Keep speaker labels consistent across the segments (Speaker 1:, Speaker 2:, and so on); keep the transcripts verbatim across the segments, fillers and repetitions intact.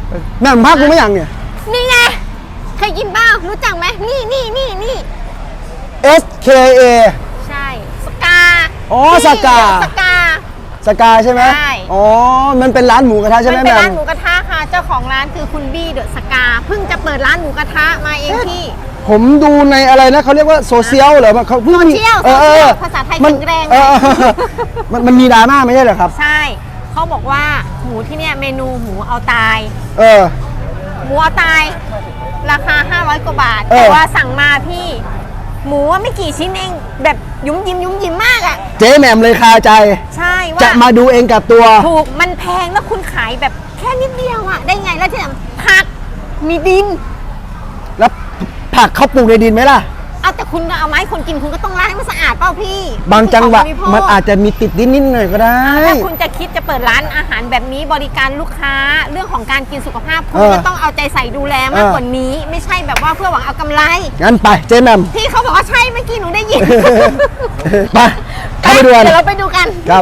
Speaker 1: แม่มพักกูไม่ยังเนี่ย
Speaker 2: นี่ไงเคยกินบ้างรู้จักไหมนี่นี่นี่นี่
Speaker 1: S K A
Speaker 2: ใช่สกา
Speaker 1: อ๋อสกา
Speaker 2: สกา
Speaker 1: สกาใช่ไหม
Speaker 2: ใช่
Speaker 1: อ๋อมันเป็นร้านหมูกระทะใช่ไหม
Speaker 2: มัน
Speaker 1: แม่
Speaker 2: เป็นร้านหมูกระทะค่ะเจ้าของร้านคือคุณบี้เดอะสกาเพิ่งจะเปิดร้านหมูกระทะมาเองพี่
Speaker 1: ผมดูในอะไรนะเขาเรียกว่าโซเชียลเหรอเขาเพิ่งมี
Speaker 2: เออภาษาไทยแข็งแรง
Speaker 1: มันมันมีดราม่าไม่ใช่เหรอครับ
Speaker 2: ใช่เขาบอกว่าหมูที่เนี่ยเมนูหมูเอาตาย
Speaker 1: เออ
Speaker 2: หมูเอาตายราคาห้าร้อยกว่าบาทแต่ว่าสั่งมาพี่หมูว่าไม่กี่ชิ้นเองแบบยุ่มยิ้มยุ่มยิ้มมากอ่ะ
Speaker 1: เจ๊แหม่มเลยคาใจ
Speaker 2: ใช่ว่า
Speaker 1: จะมาดูเองกับตัว
Speaker 2: ถูกมันแพงแล้วคุณขายแบบแค่นิดเดียวอ่ะได้ไงแล้วที่ไหนผักมีดิน
Speaker 1: แล้วผักเขาปลูกในดินไหมล่ะ
Speaker 2: เอาแต่คุณเอาไม้คนกินคุณก็ต้องล้างให้มันสะอาดเปล่าพี่
Speaker 1: บางจังหวะมันอาจจะมีติดดินนิดหน่อยก็ได้
Speaker 2: ถ้าคุณจะคิดจะเปิดร้านอาหารแบบนี้บริการลูกค้าเรื่องของการกินสุขภาพคุณก็ต้องเอาใจใส่ดูแลมากกว่านี้ไม่ใช่แบบว่าเพื่อหวังเอากำไร
Speaker 1: งั้นไปเจ๊แหม่ม
Speaker 2: พี่เขาบอกว่าใช่เมื่อกี้หนูได้ยิน
Speaker 1: ไปเข้าไปดูกัน
Speaker 2: เดี๋ยวเราไปดูกัน
Speaker 1: ครับ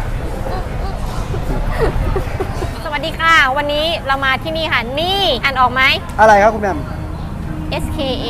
Speaker 2: สวัสดีค่ะวันนี้เรามาที่นี่ค่ะนี่อ่านออกไหม
Speaker 1: อะไรครับคุณแหม่ม
Speaker 2: S K A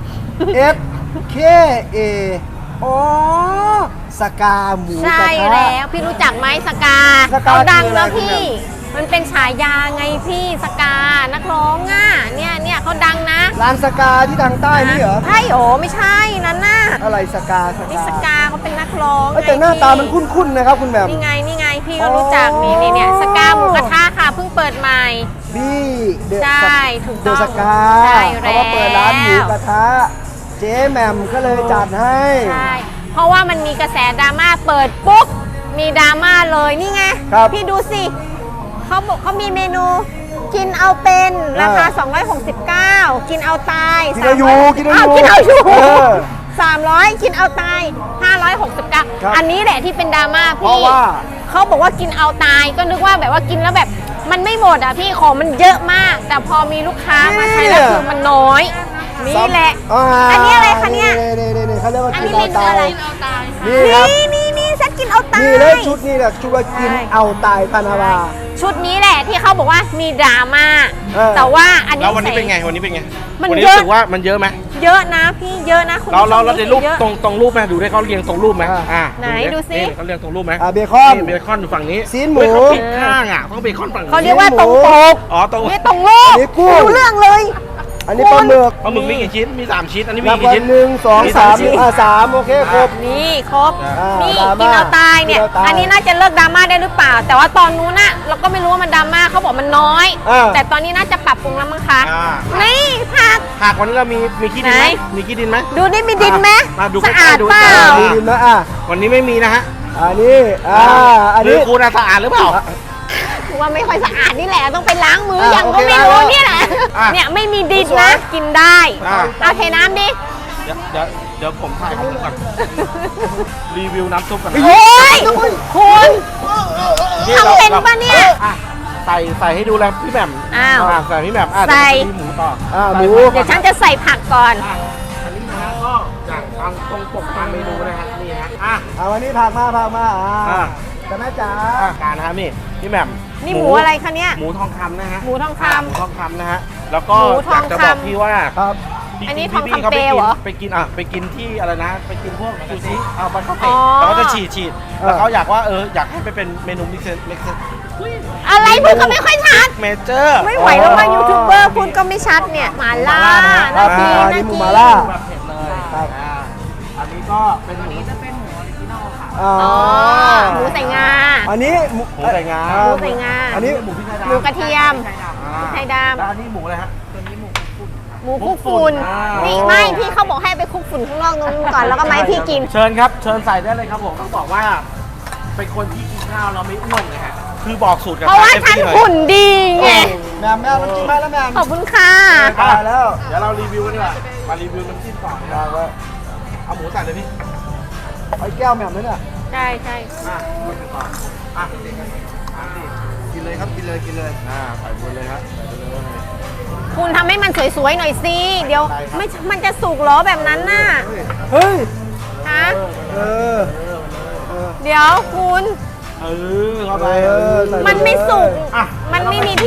Speaker 1: S K A อ๋อสกาหมู
Speaker 2: ใช่แล้วพี่รู้จักไหมสกาเขาดังนะพี่มันเป็นฉายาไงพี่สกานักร้องอ่ะเนี่ยเนี่ยเขาดังนะ
Speaker 1: ร้านสกาที่ทางใต้นี่เหรอ
Speaker 2: ใช่โอ้ไม่ใช่นั่นน่ะ
Speaker 1: อะไรสกาสกา
Speaker 2: นี่สกาเขาเป็นนักร้อง
Speaker 1: แต่หน้าตามันคุ้นๆนะครับคุณแหม่ม
Speaker 2: นี่ไงนี่ไงพี่ก็รู้จักนี่นี่เนี่ยสกาหมูกระทะค่ะเพิ่งเปิดใหม่
Speaker 1: บี้
Speaker 2: ใช่ถูกต้อง
Speaker 1: สกาเขาก็เปิดร้านหมูกระทะเจ๊แหม่มก็เลยจัดให้
Speaker 2: ใช่เพราะว่ามันมีกระแสดราม่าเปิดปุ๊บมีดราม่าเลยนี่ไงพี่ดูสิเขาบอกเขามีเมนูกินเอาเป็นราคาสองร้อยหกสิบเก้ากินเอาตาย
Speaker 1: กินเอาอยู่กินเอาอยู่
Speaker 2: กินเอาอยู่สามร้อยกินเอาตายห้าร้อยหกสิบเก้าอันนี้แหละที่เป็นดราม่าพี่เขาบอกว่ากินเอาตายก็นึกว่าแบบว่ากินแล้วแบบมันไม่หมดอ่ะพี่ของมันเยอะมากแต่พอมีลูกค้ามาใช้แล้วคือมันน้อยนี่แหละอันนี้อะไรคะเนี่ย
Speaker 1: นี่เขาเรียกว่ากิน
Speaker 2: เอาตายนี่นี่นี่ฉันกินเอาตาย
Speaker 1: นี่เลยชุดนี้แหละชุดว่ากินเอาตายพานาวา
Speaker 2: ชุดนี้แหละที่เขาบอกว่ามีดราม่าแต่ว่าอันนี้
Speaker 3: แล้ววันนี้เป็นไงวันนี้เป็นไง
Speaker 2: มัน
Speaker 3: เยอะรู้สึกว่ามันเยอะไหม
Speaker 2: เยอะนะพี่เยอะนะคุณ
Speaker 3: เราเราเราในรูปตรงตรงรูปไหมดูได้เขาเรียงตรงรูปไหมอ่า
Speaker 2: ไหนดูซิ
Speaker 3: เขาเรียงตรงรูปไหม
Speaker 1: เบคอน
Speaker 3: เบคอนอยู่ฝั่งนี้
Speaker 1: ซีนหมู
Speaker 3: เขาปิดข้างอ่ะเขาเบคอนฝั่ง
Speaker 2: เขาเรียกว่าตรงปก
Speaker 3: อ๋อตรง
Speaker 2: นี่ตรงรูปรู้เรื่องเลย
Speaker 1: อันนี้ปลาหมึก
Speaker 3: ปลาหมึกมีกี่ชิ้นมีสามชิ้นอันนี้มีกี่ชิ้น
Speaker 1: หนึ่งสองสามอ่าสามโอเคครบ
Speaker 2: นี่ครบนี่กินเอาตายเนี่ยอันนี้น่าจะเลิกดราม่าได้หรือเปล่าแต่ว่าตอนนู้นน่ะเราก็ไม่รู้ว่ามันดราม่าเขาบอกมันน้อยแต่ตอนนี้น่าจะปรับปรุงแล้วมั้งคะนี่ผัก
Speaker 3: ผักวันนี้เรามีมีขี้ดินไหมมีขี้ดินไหม
Speaker 2: ดูนี่มีดินไหม
Speaker 3: สะอาด
Speaker 2: เปล่า
Speaker 1: มีดินนะอ่ะ
Speaker 3: วันนี้ไม่มีนะฮะ
Speaker 1: อันนี้อ่าอันนี้
Speaker 3: คุณสะอาดหรือเปล่า
Speaker 2: ว่าไม่ค่อยสะอาดนี่แหละต้องไปล้างมืออย่างก็ไม่รู้เนี่ยแหละเนี่ยไม่มีดินนะกินได้เอาเทน้ำดิ
Speaker 3: เดี๋ยวเดี๋ยวเดี๋ยวผมถ่ายของผมก่อนรีวิวน้ำซุปกัน
Speaker 2: โอ้ยคุณทำเป็นปะเนี่ย
Speaker 3: ใส่ใส่ให้ดูแล้วพี่แหม่ม
Speaker 2: อ้าว
Speaker 3: ใส่พี่แหม่ม
Speaker 2: ใส่
Speaker 3: หมูต่อ
Speaker 1: อ่าหมู
Speaker 2: เดี๋ยวฉันจะใส่ผักก่อน
Speaker 3: อันนี้นะก็จากทางตรงปกตามเมนูนะฮะนี่ฮะ
Speaker 1: อ่ะเอาวันนี้ผักมาผักมาอ่าแต่แม่จ๋า
Speaker 3: การนะครับนี่พี่แหม่ม
Speaker 2: นี่หมูอะไรคะเนี่ย
Speaker 3: หมูทองคำนะฮะ
Speaker 2: หมูทองคำ
Speaker 3: หมูทองคำนะฮะแล้วก็อยากจะบอกพี่ว่า
Speaker 1: ครับ
Speaker 2: อันนี้ทองคำเปลวเหรอ
Speaker 3: ไปกินอ่ะไปกินที่อะไรนะไปกินพวกซูชิเอาบันคาเฟ่แล้วก็จะฉีดฉีดแล้วเขาอยากว่าเอออยากให้ไปเป็นเมนูมิกซ์มิกซ์
Speaker 2: อะไรพูดก็ไม่ค่อยชัด
Speaker 3: เมเจอร์
Speaker 2: ไม่ไหวแล้วว่ายูทูบเบอร์พูดก็ไม่ชัดเนี่ยมาล่านาที
Speaker 1: นาทีหมูมาล่า
Speaker 3: แบบเผ็ดเลยครับอันนี้ก็เป็นหมูจะเป็นหมูออริจินอลค่ะ
Speaker 2: อ๋อหมูใส่งา
Speaker 1: อันนี้
Speaker 3: หมูใส่งา
Speaker 2: หมูใส่งา
Speaker 1: อันนี้
Speaker 3: หมูพริกไทยดำ
Speaker 2: หมูกระเทียมไทยดำ
Speaker 3: แล้วอันนี้หมูอะไรฮะตัวนี้หมู
Speaker 2: หมูคุกฝุ่นนี่ไม่พี่เขาบอกให้ไปคุกฝุ่นข้างนอกนู้นก่อนแล้วก็ไม่พี่กิน
Speaker 3: เชิญครับเชิญใส่ได้เลยครับผมต้องบอกว่าเป็นคนที่กินข้าวเราไม่อ้วนเลยฮะคือบอกสูตรกัน
Speaker 2: เพราะว่าฉันหุ่นดีไง
Speaker 1: แม่แม่น้ำจิ้มมาแล้วแม่
Speaker 2: ขอบคุณค่ะ
Speaker 1: แล้ว
Speaker 3: เดี๋ยวเรารีวิวกันดีกว่ามารีวิวน้ำจิ้มก่อนนะครับเอาหมูใส่เลยพี่
Speaker 1: ไอ้แก้วแม่เลยเนี่ย
Speaker 2: ใช่ใช่
Speaker 3: อ่ะอ่ะกินเลยครับกินเลยกินเลยอ่าใส่หมดเลยครับใส่ไปเลย
Speaker 2: คุณทำให้มันสวยๆหน่อยสิเดี๋ยวไม่มันจะสุกหรอแบบนั้นน่ะ
Speaker 1: เฮ้ย
Speaker 2: ฮะ
Speaker 1: เออ
Speaker 2: เดี๋ยวคุณ
Speaker 3: เออเข้าไป
Speaker 2: มันไม่สุกมันไม่มีที่ย่าง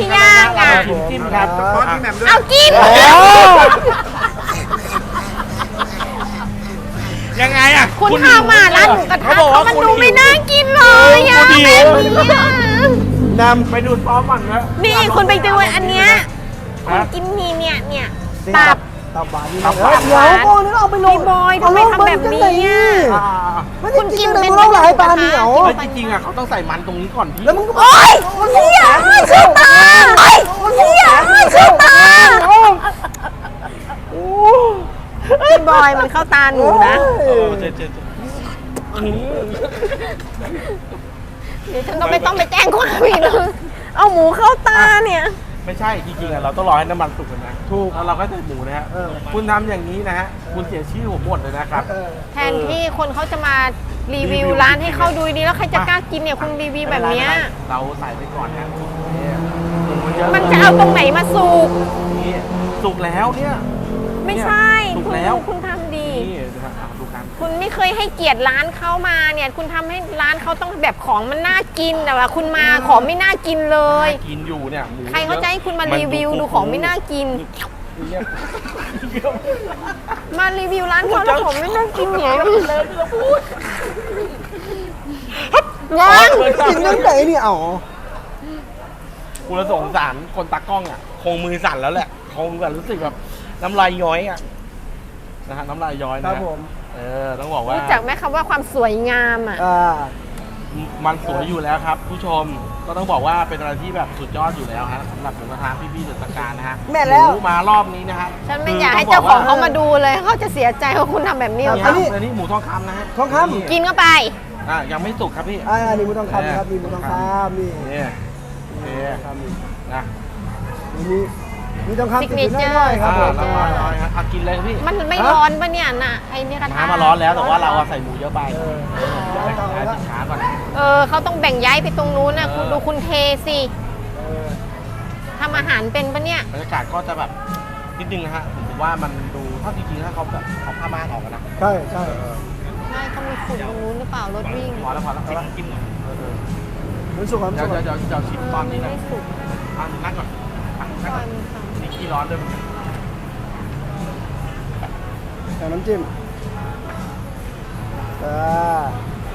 Speaker 2: อ่ะ
Speaker 3: เราชิมจิ้มครับ
Speaker 1: ป้อนพี่แหม่มด้วย
Speaker 2: เอากิน
Speaker 1: โอ้
Speaker 3: ยังไงอ่ะ
Speaker 2: คุณทำมาร้านหมูกระทะ
Speaker 3: เขาบอกว่า
Speaker 2: มัน
Speaker 3: คุณ
Speaker 2: ดู
Speaker 3: หิว
Speaker 2: ไม่น่ากินเลยอ่ะ
Speaker 3: คุณหิ
Speaker 2: แม่
Speaker 3: ว
Speaker 1: น
Speaker 3: ไปดูซ้อมมันนะ
Speaker 2: นี่คุณไปดูอันเนี้ยคุณ
Speaker 3: ฮะ
Speaker 2: กินนี่เนี่ยเนี่ย
Speaker 1: ำ
Speaker 2: ตับ
Speaker 1: ตับหวานนี่
Speaker 3: ตับหวาน
Speaker 1: เดี๋ยวก่อนนี่เอาไปลง
Speaker 2: พี่บอยทำไมทำแบบนี้อ่ะ
Speaker 3: อ่า
Speaker 1: ไม่
Speaker 2: คุ
Speaker 1: ได้
Speaker 2: ณ
Speaker 1: กิ
Speaker 2: กิ
Speaker 1: น
Speaker 2: น
Speaker 1: เลย
Speaker 2: เป็น
Speaker 1: มึงเล่าหลายปลาเหนียว
Speaker 3: เฮ้ยจริงๆอ่ะเขาต้องใส่มันตรงนี้ก่อนพี่
Speaker 1: แล้วมึงก็
Speaker 2: โอ๊ยเฮียเข้าตาโอ๊ยเฮียเข้าตาพี่บอยมันเข้าตาหนูนะ
Speaker 3: เออเจ๊เจ๊เจ๊อืม
Speaker 2: เดี๋ยวฉันก็ไม่ต้องไปแจ้งความอีกแล้วเอาหมูเข้าตาเนี่ย
Speaker 3: ไม่ใช่จริงๆอ่ะเราต้องรอให้น้ำมันสุกก่อนนะ
Speaker 1: ถูก
Speaker 3: แล้วเราก็ใส่หมูนะฮะ
Speaker 1: เออ
Speaker 3: คุณทำอย่างนี้นะฮะคุณเสียชื่อผมหมดเลยนะครับ
Speaker 1: เออ
Speaker 2: แทนที่คนเขาจะมารีวิวร้านให้เขาดูดีแล้วใครจะกล้ากินเนี่ยคุณรีวิวแบบเนี้ย
Speaker 3: เราใส่ไปก่อนนะเนี่ยหมูเยอะ
Speaker 2: มันจะเอาตรงไหนมาสุก
Speaker 3: นี่สุกแล้วเนี่ย
Speaker 2: ไม่ใช่
Speaker 3: สุก
Speaker 2: คุณ
Speaker 3: แล้ว
Speaker 2: คุณทำดี
Speaker 3: นี่นะครับอ่ะดูกัน
Speaker 2: คุณไม่เคยให้เกียรติร้านเขามาเนี่ย คุณทำให้ร้านเขาต้องแบบของมันน่ากินแต่ว่าคุณมาของไม่น่ากินเลย
Speaker 3: น่ากินอยู่เนี่ยหมู
Speaker 2: ใครเขาจะให้คุณมารีวิวดูของไม่น่ากิน
Speaker 3: เนี่ย
Speaker 2: มารีวิวร้านเขาแล้วของไม่น่ากินเนี่ยยัง
Speaker 1: กินตั้งไหนนี่เอ้า
Speaker 3: คุณละสงสารคนตากล้องอ่ะคงมือสั่นแล้วแหละคงแบบรู้สึกแบบน้ำลายย้อยอ่ะนะฮะน้ำลายย้อย
Speaker 1: ครั
Speaker 3: นะ
Speaker 1: บผม
Speaker 3: เออต้องบอกว่า
Speaker 2: รู้จักไหมคำว่าความสวยงามอ่ะ
Speaker 1: อ่า
Speaker 3: มันสวยอยู่แล้วครับ ผู้ชมก็ต้องบอกว่าเป็นอะไรที่แบบสุดยอดอยู่แล้วฮะสำหรับหมูกระทะพี่ๆเดอะสกานะฮะ
Speaker 1: แม่แล้ว
Speaker 3: หมูมารอบนี้นะฮะ
Speaker 2: ฉันไม่อยากให้เจ้าของเขามาดูเลยเขาจะเสียใจว่าคุณทำแบบนี้
Speaker 3: นี่
Speaker 2: กับ
Speaker 3: ครั
Speaker 2: เขา
Speaker 3: บอันนี้หมูทองคำนะฮะ
Speaker 1: ทองคำ
Speaker 3: นี่
Speaker 2: กินเข้าไป
Speaker 3: อ่ะยังไม่สุกครับพี่
Speaker 1: อ่านี่มึงต้องคำครับนี่มึงต้องคำนี่
Speaker 3: นี่นี่
Speaker 1: คำนี่
Speaker 3: นะ
Speaker 1: มีมีต้องคำ
Speaker 2: Signature
Speaker 1: น้อยๆครับ
Speaker 3: อ่า
Speaker 1: ผม
Speaker 3: ละลายละลายฮะอ่ะกินเลยครับพี่
Speaker 2: มันไม่ร้อนปะเนี่ยน่ะไอ้เนี่ยกระทะ
Speaker 3: น้ำมาร้อนแล้วแต่ว่าเราอะใส่หมูเยอะไป
Speaker 1: เออ
Speaker 3: เดี๋ยวให้ให้สินค้าก่อน
Speaker 2: เออเขาต้องแบ่งย้ายไปตรงนู้นนะคุณดูคุณเทสิ
Speaker 1: เออ
Speaker 2: ทำอาหารเป็นปะเนี่ย
Speaker 3: บรรยากาศก็จะแบบนิดนึงนะฮะผมถือว่ามันดูถ้าจริงๆถ้าเขาแบบเอาผ้าม่านออกกันนะ
Speaker 1: ใช่ใช่
Speaker 2: ไม่เขามีฝุ่นตรงนู้นหรือเปล่ารถวิ่ง
Speaker 3: พอแล้วพอแล้วพอแล้วกินหน่อยเออ
Speaker 1: มันสุกครับ
Speaker 3: เดี๋ยว
Speaker 1: สุก
Speaker 3: เดี๋ยวเดี๋ยวเดี๋ยวชิมตอนนี้นะ
Speaker 2: ไม่สุก
Speaker 3: อ่ะนั่งก่อนอ่ะนั่ง
Speaker 2: ปล่
Speaker 3: ก่
Speaker 2: อ
Speaker 3: อย น
Speaker 2: มันค่ะ
Speaker 3: นี่ขี้ร้อนด้วย
Speaker 1: ใส่น้ำจิ้มอ่า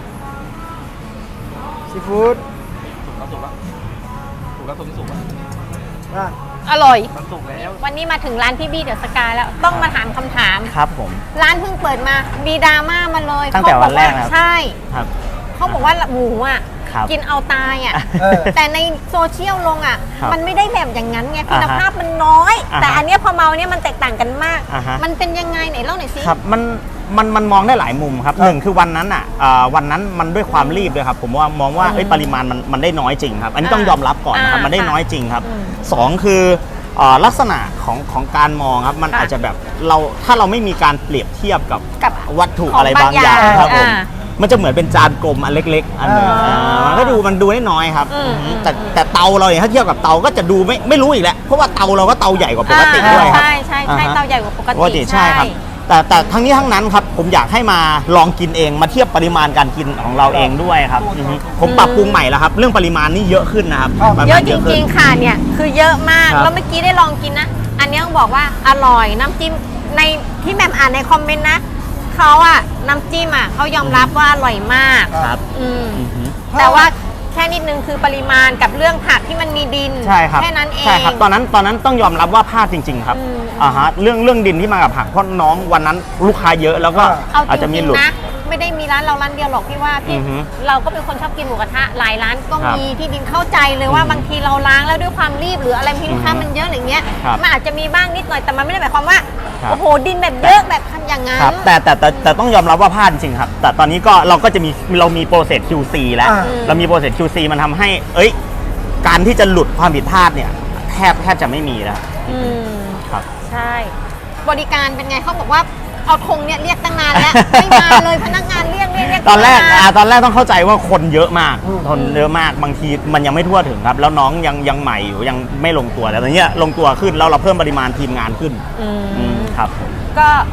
Speaker 1: ซีฟู้ด
Speaker 3: สุกแล้วสุกแล้วสุกแล้วสุกแล้วสุกแล้ว
Speaker 1: อ่ะ
Speaker 2: อร่อย
Speaker 3: มันสุกแล้ว
Speaker 2: วันนี้มาถึงร้านพี่บี้เดอะสกาแล้วต้องมาถามคำถาม
Speaker 4: ครับผม
Speaker 2: ร้านเพิ่งเปิดมามีดราม่ามาเลย
Speaker 4: ตั้งแต่
Speaker 2: เขาบอ
Speaker 4: วันแรกนะครับ
Speaker 2: ใช่
Speaker 4: ครับ
Speaker 2: เขาบอกว่าหมูอ่ะ
Speaker 4: ครับ
Speaker 2: กินเอาตายอ่ะ
Speaker 1: เออ
Speaker 2: แต่ในโซเชียลลงอ่ะ
Speaker 4: ครับ
Speaker 2: มันไม่ได้แบบอย่างนั้นไงคุณ
Speaker 4: อ่าฮะ
Speaker 2: ภาพมันน้อย
Speaker 4: อ่าฮะ
Speaker 2: แต่อันเนี้ยพอเมาเนี่ยมันแตกต่างกันมาก
Speaker 4: อ่าฮะ
Speaker 2: มันเป็นยังไงไหนเล่าหน่อยสิ
Speaker 4: ครับมันมันมันมองได้หลายมุมครับหนึ่งคือวันนั้นอ่ะเอ่อวันนั้นมันด้วยความรีบด้วยครับผมว่ามองว่าเอ้ยปริมาณมันมันได้น้อยจริงครับ อันนี้ต้องยอมรับก่อนนะครับ
Speaker 2: อ่ามั
Speaker 4: มันได้น้อยจริงครับ
Speaker 2: อืม
Speaker 4: สองคือเอ่อลักษณะของของการมองครับมัน
Speaker 2: ค่ะ
Speaker 4: อาจจะแบบเราถ้าเราไม่มีการเปรียบเทียบกับ
Speaker 2: กับ
Speaker 4: วัตถุ
Speaker 2: ของ
Speaker 4: อะไรบางอย่าง
Speaker 2: บางอย่าง
Speaker 4: ครับผม
Speaker 2: อ่า
Speaker 4: มันจะเหมือนเป็นจานกลมอันเล็ก ๆ อันหนึง
Speaker 1: อ่า
Speaker 4: อ่ามันก็ดูมันดูได้น้อยครับ
Speaker 2: อืม
Speaker 4: อืมแต่แต่เตาเราเนี่ยถ้าเทียบกับเตาก็จะดูไม่ไม่รู้อีกแล้วเพราะว่าเตาเราก็เตาใหญ่กว่าปกติด้วยครับ
Speaker 2: ใช่ใช่ใช่
Speaker 4: อ่าฮะ
Speaker 2: เตาใหญ่กว่าปก
Speaker 4: ปก
Speaker 2: ติ
Speaker 4: ติใช่ครับ แต่แต่ทั้งนี้ทั้งนั้นครับผมอยากให้มาลองกินเองมาเทียบปริมาณการกินของเราเองด้วยครับอือฮึผมปรับปรุงใหม่แล้วครับ เรื่องปริมาณนี่เยอะขึ้นนะครับป
Speaker 2: เย
Speaker 4: มา
Speaker 2: อะ
Speaker 4: ณ
Speaker 2: จริงๆค่ะเนี่ยคือเยอะมาก
Speaker 4: ครับ
Speaker 2: แล้วเมื่อกี้ได้ลองกินนะ อันเนี้ยต้องบอกว่าอร่อยน้ำจิ้มในที่แหม่มอ่านในคอมเมนต์นะเขาอะน้ำจิ้มอะเขายอมรับว่าอร่อยมาก
Speaker 4: ครับ
Speaker 2: อืม
Speaker 4: อือฮึ
Speaker 2: แต่ว่าแค่นิดนึงคือปริมาณกับเรื่องผักที่มันมีดิน
Speaker 4: ใช่ครับ
Speaker 2: แค่นั้นเอง
Speaker 4: ใช่ครับตอนนั้นตอนนั้นต้องยอมรับว่าพลาดจริง ๆ ครับ
Speaker 2: อืม
Speaker 4: อ่าฮะเรื่องเรื่องดินที่มากับผักเพราะน้องวันนั้นลูกค้าเยอะแล้วก็
Speaker 2: เอา
Speaker 4: อาจ
Speaker 2: จ
Speaker 4: จะมี
Speaker 2: ริง
Speaker 4: หลุด
Speaker 2: ๆนะไม่ได้มีร้านเราร้านเดียวหรอกพี่ว่าพี่
Speaker 4: อือฮึ
Speaker 2: เราก็เป็นคนชอบกินหมูกระทะหลายร้านก็
Speaker 4: ครับ
Speaker 2: มีที่ดินเข้าใจเลยว่า
Speaker 4: อือฮึ
Speaker 2: บางทีเราล้างแล้วด้วยความรีบหรืออะไรบางทีลูกค้า
Speaker 4: อือฮึ
Speaker 2: มันเยอะอะไรเงี้ย
Speaker 4: ครับ
Speaker 2: มันอาจจะมีบ้างนิดหน่อยแต่มันไม่ได้หมายความว่า
Speaker 4: ครับ
Speaker 2: โอ้โหดินแบบเยอะแบบอย่างนั้น
Speaker 4: ครับแต่แต่แต่แต่ต้องยอมรับว่าพลาดจริงๆครับ แต่ตอนนี้ก็เราก็จะมีเรามีโปรเซส คิว ซี แล้ว
Speaker 1: อ่า
Speaker 4: เรามีโปรเซส คิว ซี มันทำให้ เอ้ย การที่จะหลุดความผิดพลาดเนี่ยแทบแทบจะไม่มีแล้ว
Speaker 2: อืม
Speaker 4: ครับ
Speaker 2: ใช่ บริการเป็นไงเขาบอกว่าเอาธงเนี่ยเรียกตั้งนานแล้ว ไม่มาเลยพนักงานเรียกเรียกเรียก
Speaker 4: ตอนแรก
Speaker 2: ไม่มา
Speaker 4: อ่าตอนแรกต้องเข้าใจว่าคนเยอะมาก
Speaker 1: อืม
Speaker 4: คนเยอะมากบางทีมันยังไม่ทั่วถึงครับ แล้วน้องยังยังใหม่อยู่ยังไม่ลงตัวแต่ตอนเนี้ยลงตัวขึ้นแล้วเราเพิ่มปริมาณทีมงานขึ้น
Speaker 2: อืม
Speaker 4: อืมครับ
Speaker 2: ก็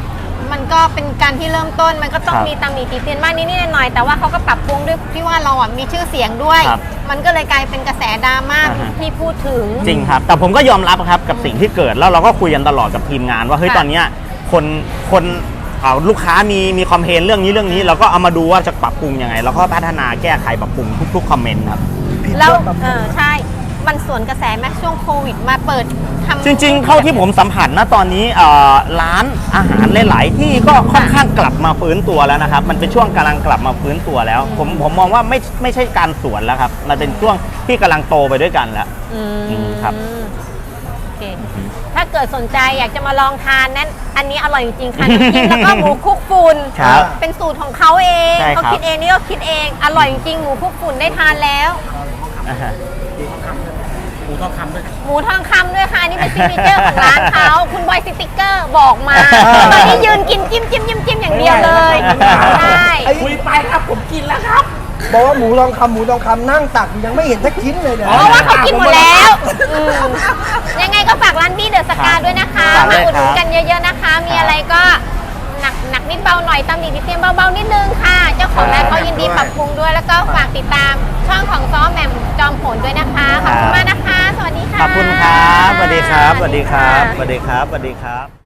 Speaker 2: มันก็เป็นการที่เริ่มต้นมันก็ต้อง
Speaker 4: ครับ
Speaker 2: มีตำหนิติเตียนบ้างนิดๆหน่อยๆแต่ว่าเขาก็ปรับปรุงด้วยที่ว่าเราอ่ะมีชื่อเสียงด้วย
Speaker 4: ครับ
Speaker 2: มันก็เลยกลายเป็นกระแสดราม่า
Speaker 4: อ่าฮะ
Speaker 2: ที่พูดถึง
Speaker 4: จริงครับ แต่ผมก็ยอมรับครับกับสิ่งที่เกิดแล้วเราก็คุยกันตลอดกับทีมงานว่าเฮ้ย
Speaker 2: ค่ะ
Speaker 4: ตอนเนี้ยคนคนเอ่อลูกค้ามีมีคอมเพลนเรื่องนี้เรื่องนี้เราก็เอามาดูว่าจะปรับปรุงยังไงแล้วก็พัฒนาแก้ไขปรับปรุงทุกๆคอมเมนต์ครับ
Speaker 2: แล้วเออใช่ มันสวนกระแสแม้ช่วงโควิดมาเปิดทำ
Speaker 4: จริงๆ เท่าที่ผมสัมผัสนะตอนนี้เอ่อร้านอาหารหลายๆที่ก็ค่อนข้างกลับมาฟื้นตัวแล้วนะครับ มันเป็นช่วงกำลังกลับมาฟื้นตัวแล้ว ผมผมมองว่าไม่ไม่ใช่การสวนแล้วครับ มันเป็นช่วงที่กำลังโตไปด้วยกันแล้ว
Speaker 2: อืม
Speaker 4: อืมครับ
Speaker 2: โอเคถ้าเกิดสนใจอยากจะมาลองทานนั้น อันนี้อร่อยจริงๆค่ะน้ำจิ้มแล้วก็หมูคลุกฝุ่น
Speaker 4: ครับ
Speaker 2: เป็นสูตรของเขาเอง
Speaker 4: ใช่ครับ
Speaker 2: เขาคิดเองนี่ก็คิดเอง อร่อยจริงๆหมูคลุกฝุ่นได้ทานแล้ว
Speaker 4: อ่าฮะ
Speaker 3: หมูทองคำด้วย
Speaker 2: หมูทองคำด้วยค่ะอันนี่เป็นซิกเนเจอร์ของร้านเขาคุณบอยสติ๊กเกอร์บอกมาตอนนี้ยืนกินจิ้มจิ้มจิ้มจิ้มอย่างเดียวเลยใช่
Speaker 3: คุยไปครับผมกินแล้วครับ
Speaker 1: บอกว่าหมูทองคำหมูทองคำนั่งตักยังไม่เห็นสักชิ้นเลยเนี่ย
Speaker 2: เพราะว่าเขากินหมดแล้วอืมยังไงก็ฝากร้านบี้เดอะสกาด้วยนะคะ
Speaker 4: ฝากด้
Speaker 2: มา
Speaker 4: วย
Speaker 2: อุดหนุน
Speaker 4: ครับ
Speaker 2: กันเยอะๆนะคะ มีอะไรก็หนักหนักนิดเบาหน่อยตำหนิติเตียนเบาๆนิดนึงค่ะ เจ้าของร้านเขายินดีปรับปรุงด้วย แล้วก็ฝากติดตามช่องของซ้อแหม่มจอมผลด้วยนะคะ ขอบคุณมากนะคะ สวัสดีค่ะ
Speaker 4: ขอบคุณครับสวัสดีครับสวัสดีครับสวัสดีครับสวัสดีครับ